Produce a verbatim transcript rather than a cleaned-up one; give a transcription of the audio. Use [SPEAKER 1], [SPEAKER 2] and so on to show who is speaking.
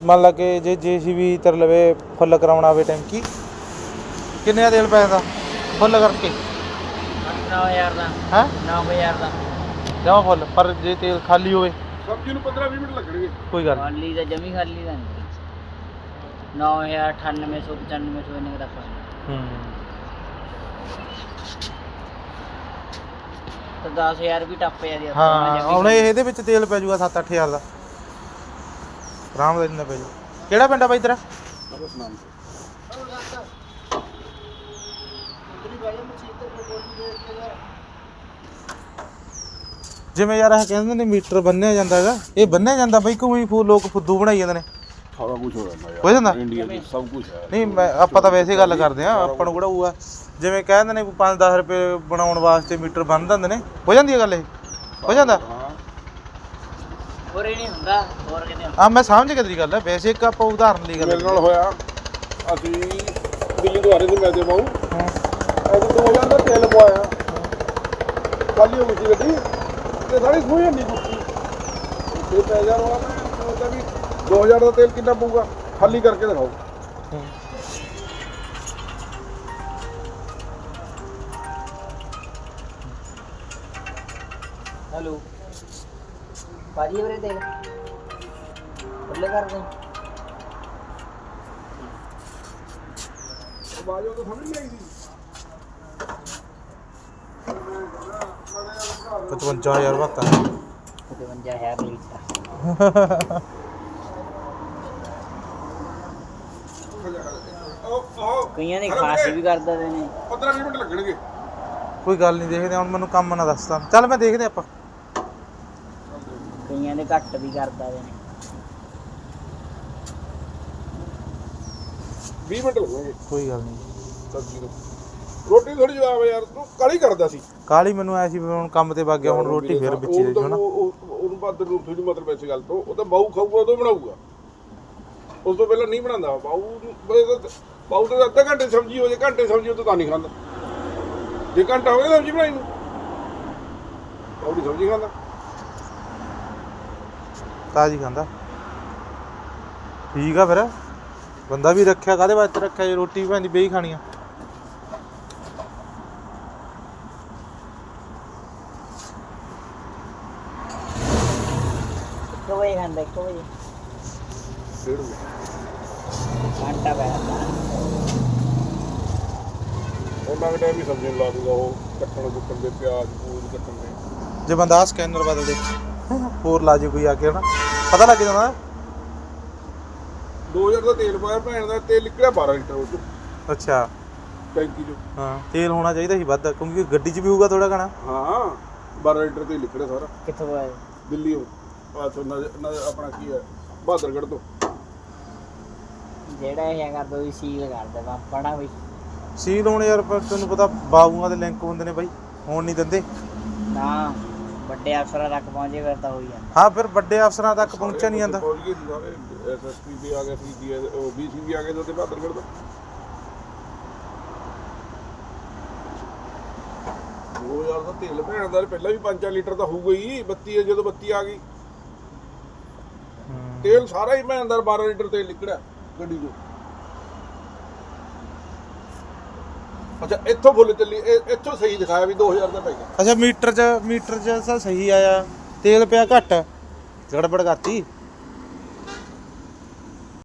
[SPEAKER 1] ਮੰਨ ਲਾ ਕਿ ਜੇ ਜੇਸੀਬੀ ਤੇਰੇ ਲਵੇ ਫੁੱਲ ਕਰਾਉਣਾ ਹੋਵੇ ਟੈਂਕੀ ਕਿੰਨੇ ਦਾ ਤੇਲ ਪੈ ਜਾਂਦਾ ਫੁੱਲ ਕਰਕੇ?
[SPEAKER 2] ਨੌ ਹਜ਼ਾਰ ਦਾ।
[SPEAKER 1] ਹੈ
[SPEAKER 2] ਨੌ ਹਜ਼ਾਰ ਦਾ
[SPEAKER 1] ਜਮਾ ਫੁੱਲ। ਪਰ ਜੇ ਤੇਲ ਖਾਲੀ ਹੋਵੇ
[SPEAKER 3] ਸਬਜ਼ੀ ਨੂੰ ਪੰਦਰਾਂ ਵੀਹ ਮਿੰਟ ਲੱਗਣਗੇ।
[SPEAKER 1] ਕੋਈ ਗੱਲ
[SPEAKER 2] ਖਾਲੀ ਦਾ ਜਮੀ ਖਾਲੀ ਦਾ ਨਹੀਂ। ਨੌ ਹਜ਼ਾਰ ਅਠਾਨਵੇਂ ਸੌ ਪਚਾਨਵੇਂ ਸੌ ਇੰਨੇ ਤੱਕ
[SPEAKER 1] ਹੂੰ
[SPEAKER 2] ਤਾਂ ਦਸ ਹਜ਼ਾਰ ਵੀ ਟੱਪ ਜਾਂਦੀ ਆ।
[SPEAKER 1] ਹਾਂ ਹੁਣ ਇਹਦੇ ਵਿੱਚ ਤੇਲ ਪੈ ਜਾਊਗਾ ਸੱਤ ਅੱਠ ਹਜ਼ਾਰ ਦਾ ਆਰਾਮ ਨਾਲ ਇੰਨਾ ਪੈ ਜਾਊ। ਕਿਹੜਾ ਪਿੰਡ ਆ ਬਾਈ ਤੇਰਾ? ਜਿਵੇਂ ਯਾਰ ਇਹ ਕਹਿੰਦੇ ਨੇ ਮੀਟਰ ਬੰਨਿਆ ਜਾਂਦਾ ਹੈਗਾ, ਇਹ ਬੰਨਿਆ ਜਾਂਦਾ ਬਈ ਕੋਈ ਫੂ ਲੋਕ ਫੁੱਦੂ ਬਣਾਈ ਜਾਂਦੇ ਨੇ?
[SPEAKER 3] ਸਾਰਾ ਕੁਝ ਹੋ ਜਾਂਦਾ ਯਾਰ,
[SPEAKER 1] ਹੋ ਜਾਂਦਾ
[SPEAKER 3] ਇੰਡੀਆ ਵਿੱਚ ਸਭ ਕੁਝ ਹੈ।
[SPEAKER 1] ਨਹੀਂ ਮੈਂ ਆਪਾਂ ਤਾਂ ਵੈਸੇ ਗੱਲ ਕਰਦੇ ਆ, ਆਪਾਂ ਨੂੰ ਕਿਹੜਾ ਉਹ ਆ ਜਿਵੇਂ ਕਹਿੰਦੇ ਨੇ ਪੰਜ ਦਸ ਰੁਪਏ ਬਣਾਉਣ ਵਾਸਤੇ ਮੀਟਰ ਬੰਨ ਦਿੰਦੇ ਨੇ, ਹੋ ਜਾਂਦੀ ਹੈ ਗੱਲ? ਇਹ ਹੋ ਜਾਂਦਾ
[SPEAKER 2] ਹੋਰ ਇਹ ਨਹੀਂ ਹੁੰਦਾ ਹੋਰ ਕਿਤੇ
[SPEAKER 1] ਆ ਮੈਂ ਸਮਝ ਗਿਆ ਤੇਰੀ ਗੱਲ, ਵੈਸੇ ਇੱਕ ਆਪਾਂ ਉਦਾਹਰਨ ਲਈ ਗੱਲ
[SPEAKER 3] ਮੇਰੇ ਨਾਲ ਹੋਇਆ। ਅਸੀਂ ਦਿੱਲੀ ਤੋਂ ਆ ਰਹੇ ਸੀ ਮੈਂ ਤੇ ਬਾਊ, ਅਸੀਂ ਦੋ ਹਜ਼ਾਰ ਦਾ ਤੇਲ ਪਵਾਇਆ, ਖਾਲੀ ਹੋ ਗਈ ਸੀ ਗੱਡੀ ਤੇ ਸਾਰੀ ਸੂਈ ਨਹੀਂ ਕੁੱਤੀ ਤੇ ਪੈ ਜਾ ਰਹਾ। ਮੈਂ ਸੋਚਦਾ ਵੀ ਦੋ ਹਜ਼ਾਰ ਦਾ ਤੇਲ ਕਿੰਨਾ ਪਊਗਾ, ਖਾਲੀ ਕਰਕੇ ਦਿਖਾਓ।
[SPEAKER 2] ਹੈਲੋ ਭਾਜੀ ਵੀਰੇ ਦੇਖ ਬੱਲੇ ਕਰ ਦੇ
[SPEAKER 3] ਆਵਾਜ਼ ਉਹ ਤਾਂ ਸਮਝ ਨਹੀਂ ਆਈ ਸੀ।
[SPEAKER 1] ਪਚਵੰਜਾ ਹਜ਼ਾਰ ਵਾਤਾ
[SPEAKER 2] ਪਚਵੰਜਾ ਹਜ਼ਾਰ ਲੀਟਰ ਕਈਆਂ ਨੇ ਖਾਸ ਵੀ ਕਰ ਦਿੰਦੇ ਨੇ।
[SPEAKER 3] ਪੰਦਰਾਂ ਵੀਹ ਮਿੰਟ ਲੱਗਣਗੇ।
[SPEAKER 1] ਕੋਈ ਗੱਲ ਨਹੀਂ, ਦੇਖਦੇ ਹੁਣ ਮੈਨੂੰ ਕੰਮ ਨਾ ਦੱਸਦਾ, ਚੱਲ ਮੈਂ ਦੇਖਦੇ ਆਪਾਂ।
[SPEAKER 2] ਕਈਆਂ ਦੇ ਘੱਟ ਵੀ ਕਰ ਦਿੰਦੇ ਨੇ।
[SPEAKER 3] ਵੀਹ ਮਿੰਟ ਲੱਗਣਗੇ।
[SPEAKER 1] ਕੋਈ ਗੱਲ ਨਹੀਂ।
[SPEAKER 3] ਸਬਜ਼ੀ ਨੂੰ ਰੋਟੀ ਥੋੜੀ ਜਵਾਬ ਯਾਰ, ਤੂੰ ਕਾਲੀ ਕਰਦਾ ਸੀ।
[SPEAKER 1] ਕਾਲੀ ਮੈਨੂੰ ਐ ਸੀ ਵੀ ਹੁਣ ਕੰਮ ਤੇ ਵਗ ਗਿਆ, ਹੁਣ ਰੋਟੀ ਫੇਰ ਵਿੱਚ ਹੀ ਦੇ ਨਾ।
[SPEAKER 3] ਉਹਨੂੰ ਬਾਅਦ ਨੂੰ ਥੋੜੀ ਮਤਲਬ ਇਸ ਗੱਲ ਤੋਂ, ਉਹ ਤਾਂ ਬਾਊ ਖਾਊਗਾ ਉਦੋਂ ਬਣਾਊਗਾ, ਉਸ ਤੋਂ ਪਹਿਲਾਂ ਨਹੀਂ ਬਣਾਉਂਦਾ ਬਾਊ। ਬਾਊ ਤਾਂ ਅੱਧਾ ਘੰਟੇ ਸਬਜ਼ੀ ਹੋ ਜੇ, ਘੰਟੇ ਸਬਜ਼ੀ ਉਹ ਤਾਂ ਨਹੀਂ ਖਾਂਦਾ। ਜੇ ਘੰਟਾ ਹੋ ਗਿਆ ਸਬਜ਼ੀ ਬਣਾਈ ਨੂੰ, ਬਾਊ ਦੀ ਸਬਜ਼ੀ ਖਾਂਦਾ
[SPEAKER 1] ਤਾਜ਼ੀ ਖਾਂਦਾ। ਠੀਕ ਆ ਫਿਰ, ਬੰਦਾ ਵੀ ਰੱਖਿਆ ਕਾਹਦੇ ਵਾਸਤੇ ਰੱਖਿਆ ਜੇ ਰੋਟੀ ਭੈਣ ਦੀ ਬੇਹੀ ਖਾਣੀ ਆ।
[SPEAKER 2] ਇੱਕ ਵਜੇ ਖਾਂਦਾ, ਇੱਕ ਵਜੇ
[SPEAKER 3] ਡੇਢ ਵਜੇ
[SPEAKER 2] ਘੰਟਾ ਪੈ ਜਾਂਦਾ।
[SPEAKER 3] ਉਹਨਾਂ ਦੇ ਟਾਈਮ ਵੀ ਸਬਜ਼ੀ ਨੂੰ ਲਾ ਦੂਗਾ, ਉਹ ਕੱਟਣ ਕੁੱਟਣ ਦੇ, ਪਿਆਜ਼ ਪੂਜ ਕੱਟਣ ਦੇ।
[SPEAKER 1] ਜੇ ਬੰਦਾ ਆਹ ਸਕੈਨਰ ਬਦਲ ਦੇ ਹੋਰ ਲਾ ਜੇ ਕੋਈ ਆ ਕੇ ਹਨਾ, ਪਤਾ ਲੱਗ ਜਾਂਦਾ।
[SPEAKER 3] ਦੋ ਹਜ਼ਾਰ ਦਾ ਤੇਲ ਪਾਇਆ, ਭੈਣ ਦਾ ਤੇਲ ਨਿਕਲਿਆ ਬਾਰਾਂ ਲੀਟਰ ਉਹ 'ਚੋਂ।
[SPEAKER 1] ਅੱਛਾ
[SPEAKER 3] ਟੈਂਕੀ 'ਚੋਂ।
[SPEAKER 1] ਹਾਂ ਤੇਲ ਹੋਣਾ ਚਾਹੀਦਾ ਸੀ ਵੱਧ, ਕਿਉਂਕਿ ਗੱਡੀ 'ਚ ਵੀ ਹੋਊਗਾ ਥੋੜਾ ਘਣਾ।
[SPEAKER 3] ਹਾਂ ਬਾਰਾਂ ਲੀਟਰ ਤੇਲ ਨਿਕਲਿਆ ਸਾਰਾ।
[SPEAKER 2] ਕਿੱਥੋਂ ਆਏ?
[SPEAKER 3] ਦਿੱਲੀ ਆਪਣਾ ਕੀ ਹੈ ਬਹਾਦਰਗੜ੍ਹ ਤੋਂ।
[SPEAKER 2] ਜਿਹੜਾ ਇਹ ਕਰਦਾ ਉਹ ਸੀਲ ਕਰਦਾ ਪਾਪੜਾ ਬਈ।
[SPEAKER 1] ਸੀਲ ਹੋਣ ਯਾਰ, ਪਰ ਤੈਨੂੰ ਪਤਾ ਬਾਬੂਆਂ ਦੇ ਲਿੰਕ ਹੁੰਦੇ ਨੇ ਬਾਈ, ਹੋਣ ਨਹੀਂ ਦਿੰਦੇ
[SPEAKER 2] ਨਾ। ਵੱਡੇ ਅਫਸਰਾਂ ਤੱਕ ਪਹੁੰਚੇ ਫਿਰ ਤਾਂ ਹੋਈ ਜਾਂਦਾ।
[SPEAKER 1] ਹਾਂ ਫਿਰ ਵੱਡੇ ਅਫਸਰਾਂ ਤੱਕ ਪਹੁੰਚਿਆ ਨਹੀਂ ਜਾਂਦਾ।
[SPEAKER 3] ਪਹੁੰਚ ਗਏ ਸੀ ਸਾਰੇ, ਐਸਐਸਪੀ ਵੀ ਆ ਗਿਆ ਸੀ, ਉਹ ਬੀਸੀ ਵੀ ਆ ਗਏ ਤੇ ਬਹਾਦਰਗੜ੍ਹ ਦਾ। ਦੋ ਹਜ਼ਾਰ ਦਾ ਤੇਲ ਭੈਣ ਦਾ ਪਹਿਲਾਂ ਵੀ ਪੰਜ ਚਾਰ ਲੀਟਰ ਤਾਂ ਹੋਊਗਾ ਹੀ। ਬੱਤੀ ਹੈ ਜਦੋਂ ਬੱਤੀ ਆ ਗਈ, ਤੇਲ ਸਾਰਾ ਹੀ ਭੈਣ ਦਾ ਬਾਰਾਂ ਲੀਟਰ ਤੇਲ ਨਿਕਲਿਆ ਗੱਡੀ 'ਚੋਂ। ਅੱਛਾ ਇੱਥੋਂ ਫੁੱਲ ਚੱਲੀ, ਇੱਥੋਂ ਸਹੀ ਦਿਖਾਇਆ ਵੀ ਦੋ ਹਜ਼ਾਰ ਦਾ ਪੈ ਗਿਆ।
[SPEAKER 1] ਅੱਛਾ ਮੀਟਰ 'ਚ ਮੀਟਰ 'ਚ ਸਹੀ ਆਇਆ, ਤੇਲ ਪਿਆ ਘੱਟ, ਗੜਬੜ ਕਰਤੀ।